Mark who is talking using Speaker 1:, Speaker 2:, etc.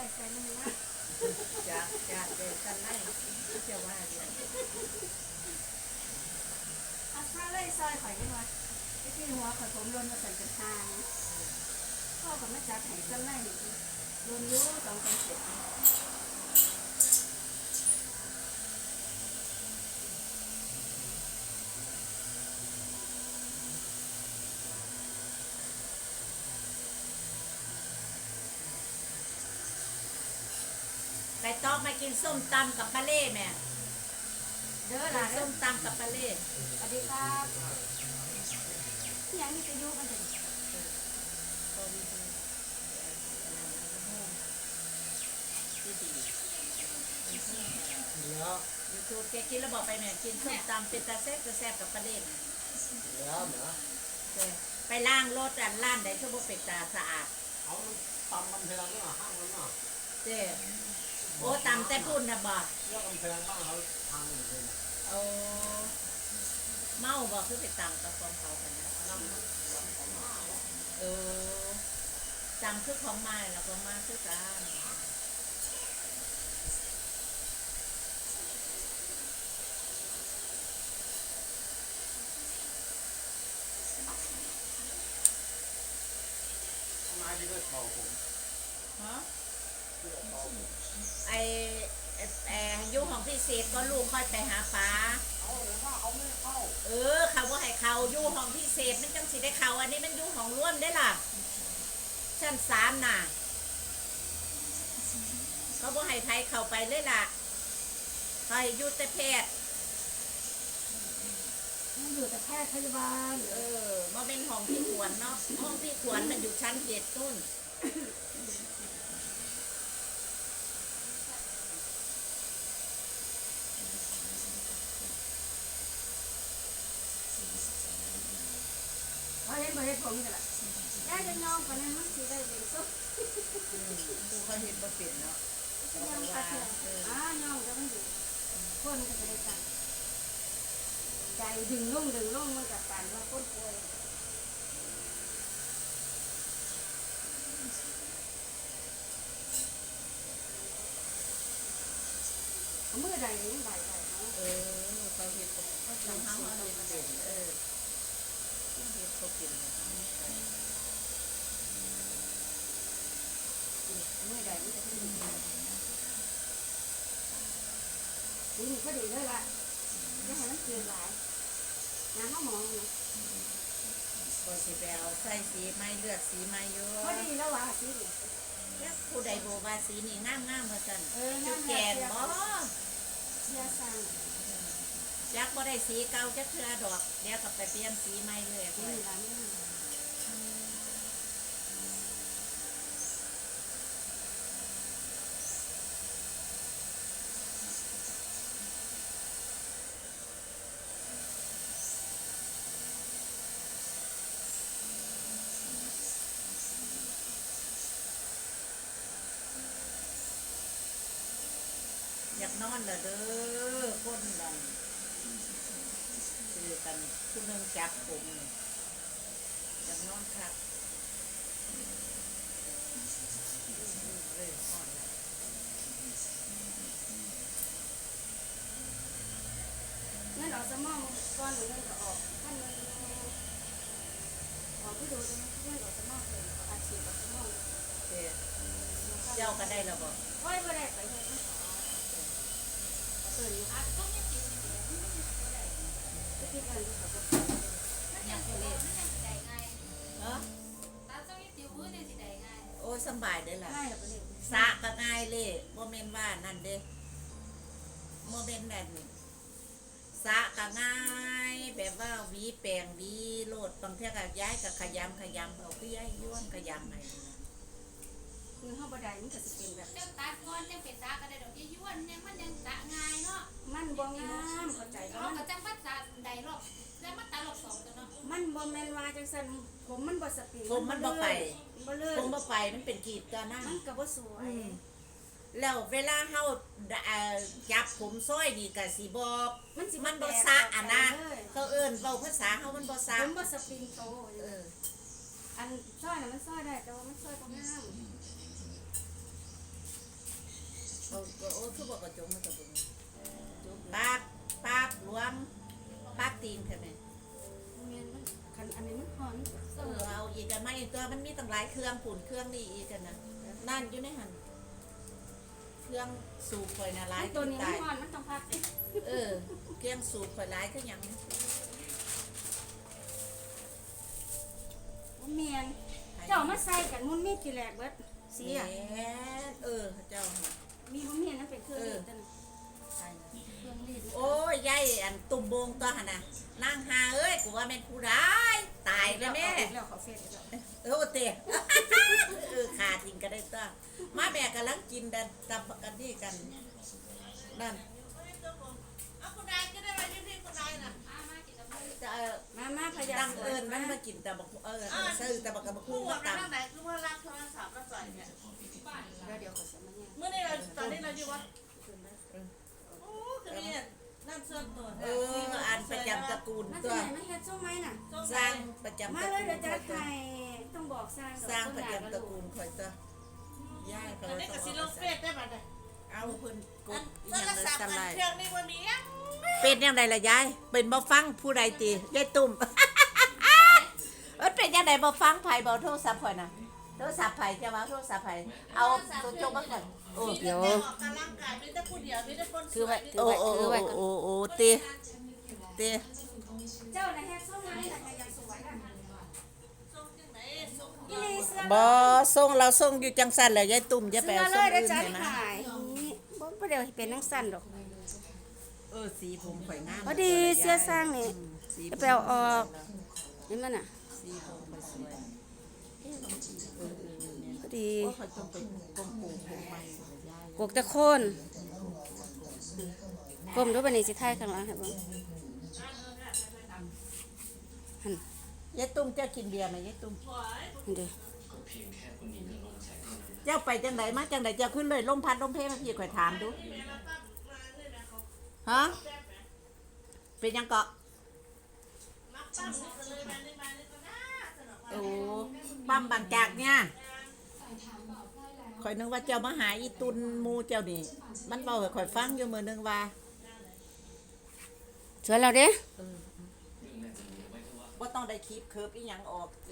Speaker 1: ใส่น้ำนะ
Speaker 2: จากเด็กกันไล่จะว่าอย่าง
Speaker 1: เอาซาไล่ซอยข่อยได้ไหมไอ้ที่หัวข่อยผมรนมาใส่กระทางพ่อกับแม่จับไห้กันไล่รนยุ่สองคนเสร็จ
Speaker 2: ไปต๊อกมากินส้มตำกับปลาเล่แม่
Speaker 1: เด้อล่ะเด้อ
Speaker 2: ส้มตำกับปลาเล่
Speaker 1: สวัสดีครับที่ยังนี่จะยุ่กันถึง
Speaker 3: แล้ว
Speaker 2: ยูทูบแกกินแล้วบอกไปแม่กินส้มตำเป็นตาแซ่บกับปลาเล่
Speaker 3: แล้วเหรอ
Speaker 2: ไปล้างรถร้านไหนชั่วโมงเป็ดตาสะอาด
Speaker 3: เอาตำมันแพงก็ห้างแล้วเนาะ
Speaker 2: เจ้โอ้ตำแต่พุ่นนะบ่
Speaker 3: เรื่องมันแพงบ้างเขาทางอยู่เลย
Speaker 2: โอ้เมาบ่คือไปตำกับของเขากันนะเออตำคือของมาแล้วของมาคือกัน
Speaker 3: มาที่ด้วยเป่าผม
Speaker 2: ฮะไอยุของพี่เศษก็ลูกค่อยไปหาปลา
Speaker 3: เขาเลยว่าเขาไม่เข้า
Speaker 2: เขาว่าให้เขาอยู่ห้องพิเศษมันจังสิได้เขาอันนี้มันอยู่ห้องร่วมได้ล่ะชั้น3น่ะเขาบ่ให้ไผเข้าไปเลยล่ะเขาให้อยู่แต่แพทย์
Speaker 1: อยู่แต่แพทย์พยาบาล
Speaker 2: มาเป็นห้องพี่ขวัญเนาะห้องพี่ขวัญมันอยู่ชั้น7นู่น
Speaker 1: เขาเห็นบ่เห็นผมกันละย่าจะยองปานนั้นมันสิได้เป็นซุป
Speaker 2: ดูเขาเห็นบ่เป็นเนาะ
Speaker 1: จะยองกระเทียมยองแล้วมันอยู่คนก็จะได้ตังใจดึงลงมันกับการว่าคนป่วยเมื่อใดนี้ใดเนาะ
Speaker 2: เขาเห็นเขาทำเขาเห็นเป็นเห็นเขาเป็น
Speaker 1: เมื่อใดนี่จะเป็นนี่ก็ดีเลยล่ะยังให้มันเกินหลายน้ำเขามองนะ
Speaker 2: พอสิไปเอาใส่สีไม้เลือดสีไม้เยอะ
Speaker 1: พอดีแล้วว่ะสีนี่
Speaker 2: ผู้ใดโบว่าสีนี่งามมาสั่น
Speaker 1: จุ
Speaker 2: ดแกนบ่
Speaker 1: เสียสั่ง
Speaker 2: จักบ่ได้สีเก่าจักเทื่อดอกเดี๋ยวก็ไปเปลี่ยนสีใหม่เลย
Speaker 1: นี่ร้านนี้
Speaker 2: อยากนอนเด้อคนดันคือกันผู้นึงจับผมอยากนอนครับ
Speaker 1: งั้นเราจะมองก้อนหนึ่งก็ออกท่านนึงออกที่ดูตรงนี้งั้นเราจะมองเลยอาชีพเราจะมอง
Speaker 2: เจ้าก็ได้แล้วบ่
Speaker 1: ค่อยไปได้ไปเลยอัดต้องยังติดจะติดอะไรกับมันยังติดเลยมันยังติดได้ไงตัดต้องยังติดพื้นยังติดได้ไง
Speaker 2: โอ้สบายได้ล่ะ
Speaker 1: ง่ายแบบนี้
Speaker 2: สะก็ง่ายเลยโมเมนต์ว่านั่นเด้โมเมนต์นั่นสะก็ง่ายแบบว่าวีแปลงวีโลดบางเทีก็ย้ายกับขยำเอาคือย้ายย้วนขยำไง
Speaker 1: คือห้องบันไดมันก็จะเป็นแบบ
Speaker 4: เจ้าตัดก้อนจังเป็นสาก็ได้ดอกย้วนเนี่ยมันยังสะง่ายเนาะ
Speaker 1: มันบ่งามเข้าใจ
Speaker 4: เขาก็จังพัดสาใดรอบแล้วมันตาลบ2ตัวเนาะ
Speaker 1: มันบ่แม่นว่าจังซั่นผมมันบ่สปริง
Speaker 2: ผมมันบ่ไป
Speaker 1: บ่เลื่อน
Speaker 2: ผมบ่ไปมันเป็นกีบตัวนั่น
Speaker 1: มันก็บ่สวย
Speaker 2: แล้วเวลาเฮาจับผมซ้อยนี่ก็สิบอกมันบ่สะอันนะเขาเอิ้นเว้าภาษาเฮามันบ่สะ
Speaker 1: ผมบ่สปริงโตอันซ้อยน่ะมันซ้อยได้แต่ว่ามันซ้อยบ่งาม
Speaker 2: เขาก็โอ้คือบอกกระจงมันกระจงปากรวมปากตีนใช่ไหม
Speaker 1: เมียนมันคันอันนี้มันหอน
Speaker 2: เอาอีกกันไหมตัวมันมีตั้งหลายเครื่องปุ่นเครื่องนี่อีกกันนะนั่นอยู่ในหันเครื่องสูบคอยนะหลาย
Speaker 1: ตัวนี้มัน
Speaker 2: ตาย
Speaker 1: หอนมันต้องพัก
Speaker 2: เครื่องสูบคอยหลายก็ยัง
Speaker 1: เมียนเจ้ามาใส่กันมุนมีดทีแรกเบิดเสีย
Speaker 2: เจ้า
Speaker 1: มีบ่เมียนนั่นเป็นเครื่องรีดนั่นเครื่องรีด
Speaker 2: โอ้ยยายอันตุ่มโบงตัวหันน่ะนางหาเอ้ยกูว่าเป็นผู้ร้ายตายแล้วแม่
Speaker 1: แล้วเขาเฟซแล้ว
Speaker 2: โอ้เตะขาดจริงก็ได้ตัวมาแม่กำลังกินดันตับกันนี่กันนั่นเอาคุณนายก็ได้มาที่นี่คุณนายน่ะจะ
Speaker 1: มาพยา
Speaker 2: ตั้งเอิญมันมากินแต่บอกซื้อแต่บอกกับคู่มาตำ
Speaker 5: ไหนคือว่ารับโทรศัพท์แล้วใส่เนี่ย
Speaker 1: เดี๋ยวเขาจะมาเนี่ย
Speaker 5: เมื่อนี้เราตอนนี้เราอยู่วะโอ้คือนี่นั่นส่วนตัว
Speaker 2: อันประจำตระกูล
Speaker 1: มา
Speaker 2: ตั
Speaker 1: ที่
Speaker 2: ว
Speaker 1: ไหนมาเฮ็ดส้มไหมน่ะ
Speaker 2: สร้างประจำ
Speaker 1: มา
Speaker 2: ตระ
Speaker 1: เลย
Speaker 2: กู
Speaker 1: เดี๋ยว
Speaker 2: ล
Speaker 1: จะ
Speaker 2: คอยตัว
Speaker 1: ให้ต้องบอกสร้าง
Speaker 2: สร้างประจำตระกูลคอยตัวย่ายเขา
Speaker 5: อันนี้
Speaker 2: ต้
Speaker 5: ก็
Speaker 2: อง
Speaker 5: สิลงเฟซได้บัดเนี่ย
Speaker 2: เอาเพิ่นก
Speaker 5: อั
Speaker 2: ด
Speaker 5: น
Speaker 2: อี
Speaker 5: โท
Speaker 2: หยัง
Speaker 5: ร
Speaker 2: เลย
Speaker 5: ศัพท์
Speaker 2: จำ
Speaker 5: อั
Speaker 2: ได้
Speaker 5: นเครื่องนี้ว่ามีอ่ะ
Speaker 2: เป็นยังไงล่ะยายเป็นบ่ฟังผู้ใดตียายตุ่ม เป็นยังไงบ่ฟังไผบ่โทรศัพท์ข่อยน่ะโทรศัพท์ไผจะว่าโทรศัพท์ไผเอาตัวจงมาก่อนโอ้
Speaker 5: มีแต่ออกกำลังกายมีแต่ผู้เดียวมีแต่คนสวย
Speaker 2: โอ้ตี
Speaker 1: เจ้าน่ะเฮ็ดส้มไหมน่ะยังสวยน่ะ
Speaker 5: ส่งจังไหนส่ง
Speaker 1: อีลีเสื้อ
Speaker 2: บ่ส่งเราส่งอยู่จังซั่นแหละยายตุ่มอย่าไป
Speaker 1: เสื้อ
Speaker 2: เอา
Speaker 1: เล
Speaker 2: ส่ง
Speaker 1: ยเดี๋ยว
Speaker 2: อื่น
Speaker 1: จะ
Speaker 2: ให้นะ
Speaker 1: ขายนี่บ่เดี๋ยวเป็นนังสั้นดอก
Speaker 2: สีผมข่อยงาม
Speaker 1: พอดีเสื้อสร้างนี่
Speaker 2: สี
Speaker 1: จะไปเอาออกนี่มันน่ะ
Speaker 2: สีผมข่อยสวย
Speaker 1: พอดี
Speaker 2: โอ้ข่อยต้องไปกงปูผมใหม่ยาย
Speaker 1: กกตะโคนก้มดูบัดนี้สิถ่ายข้างหลังให้เบิ่ง
Speaker 2: ยายตุ่มเจ้ากินเบียร์ไหมยายตุ่ม
Speaker 1: นี่เด้อ
Speaker 2: เจ้าไปจังไดมาจังไดเจ้าขึ้นเลยลมพัดลมเพลมาพี่ข่อยถามดูฮะเป็นยังเกาะโอ้ปั๊มบางจากเนี่ยข่อยนึกว่าเจ้ามาหาอีตุนหมูเจ้านี่มันเบาให้ข่อยฟังอยู่มื้อนึงว่า
Speaker 1: สวยแล้วเด้
Speaker 2: บ่ต้องได้คลิปเคิร์ฟอีหยังออกอี